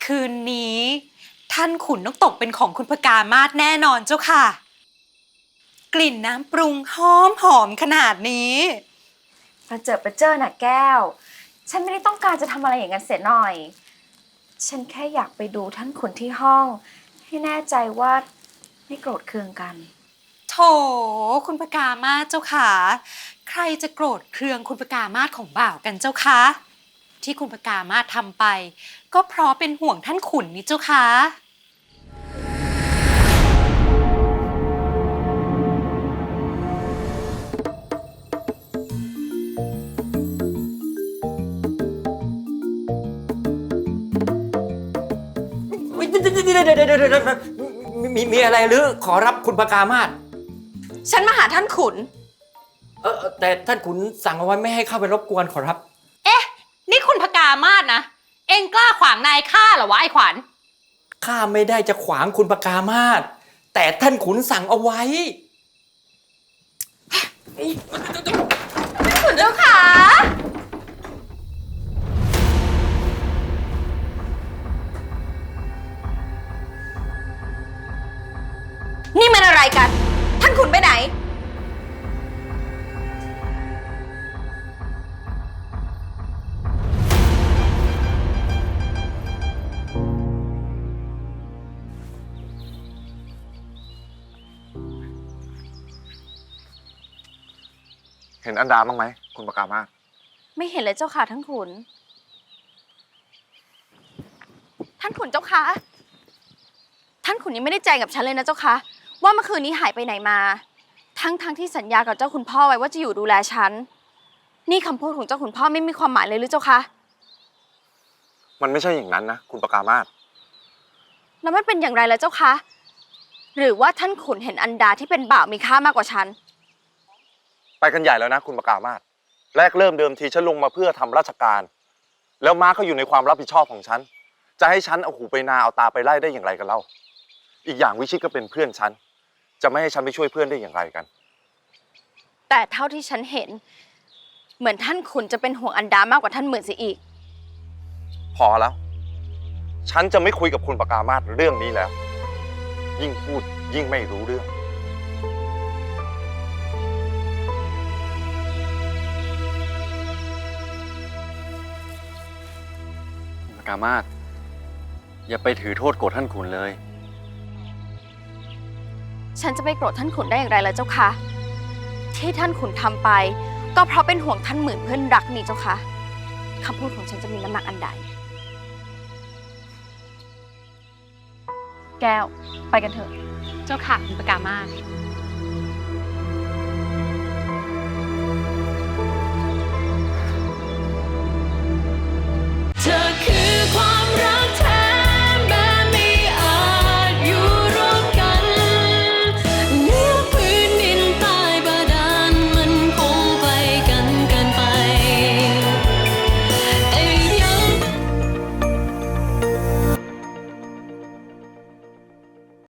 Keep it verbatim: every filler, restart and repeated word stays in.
คืนนี้ท่านขุนต้องตกเป็นของคุณพกามาศแน่นอนเจ้าค่ะ กลิ่นน้ำปรุงหอมหอมขนาดนี้ประเจิดประเจ้อน่ะแก้วฉันไม่ได้ต้องการจะทำอะไรอย่างนั้นเสียหน่อยฉันแค่อยากไปดูท่านขุนที่ห้องให้แน่ใจว่าไม่โกรธเคืองกันโถคุณพกามาศเจ้าค่ะใครจะโกรธเคืองคุณพกามาศของบ่าวกันเจ้าคะที่คุณพกามาศทำไปก็เพราะเป็นห่วงท่านขุนนี่เจ้าค่ะมีมีอะไรหรือขอรับคุณพกามาศฉันมาหาท่านขุนเออแต่ท่านขุนสั่งเอาไว้ไม่ให้เข้าไปรบกวนขอรับเอ๊ะนี่คุณพกามาศนะเอ็งกล้าขวางนายข้าเหรอวะไอ้ขวัญข้าไม่ได้จะขวางคุณพกามาศแต่ท่านขุนสั่งเอาไว้ขุนเจ้าขานี่มันอะไรกันท่านขุนไปไหนเห็นอันดาบ้างไหมคุณปกามาศไม่เห็นเลยเจ้าค่ะท่านขุนท่านขุนเจ้าค่ะท่านขุนยังไม่ได้แจ้งกับฉันเลยนะเจ้าค่ะว่าเมื่อคืนนี้หายไปไหนมาทั้งทั้งที่สัญญากับเจ้าคุณพ่อไว้ว่าจะอยู่ดูแลฉันนี่คำพูดของเจ้าคุณพ่อไม่มีความหมายเลยหรือเจ้าคะมันไม่ใช่อย่างนั้นนะคุณปกามาศแล้วมันเป็นอย่างไรล่ะเจ้าคะหรือว่าท่านขุนเห็นอันดาที่เป็นบ่าวมีค่ามากกว่าฉันไปกันใหญ่แล้วนะคุณปกามาศแรกเริ่มเดิมทีฉันลงมาเพื่อทำราชการแล้วม้าเขาอยู่ในความรับผิดชอบของฉันจะให้ฉันเอาหูไปนาเอาตาไปไล่ได้อย่างไรกันเล่าอีกอย่างวิชิตก็เป็นเพื่อนฉันจะไม่ให้ฉันไปช่วยเพื่อนได้อย่างไรกันแต่เท่าที่ฉันเห็นเหมือนท่านขุนจะเป็นห่วงอันดามากกว่าท่านหมื่นเสียอีกพอแล้วฉันจะไม่คุยกับคุณปกามาศเรื่องนี้แล้วยิ่งพูดยิ่งไม่รู้เรื่องคุณพกามาศอย่าไปถือโทษโกรธท่านขุนเลยฉันจะไปโกรธท่านขุนได้อย่างไรล่ะเจ้าคะที่ท่านขุนทำไปก็เพราะเป็นห่วงท่านหมื่นเพื่อนรักนี่เจ้าคะคำพูดของฉันจะมีน้ำหนักอันใดแก้วไปกันเถอะเจ้าค่ะคุณพกามาศ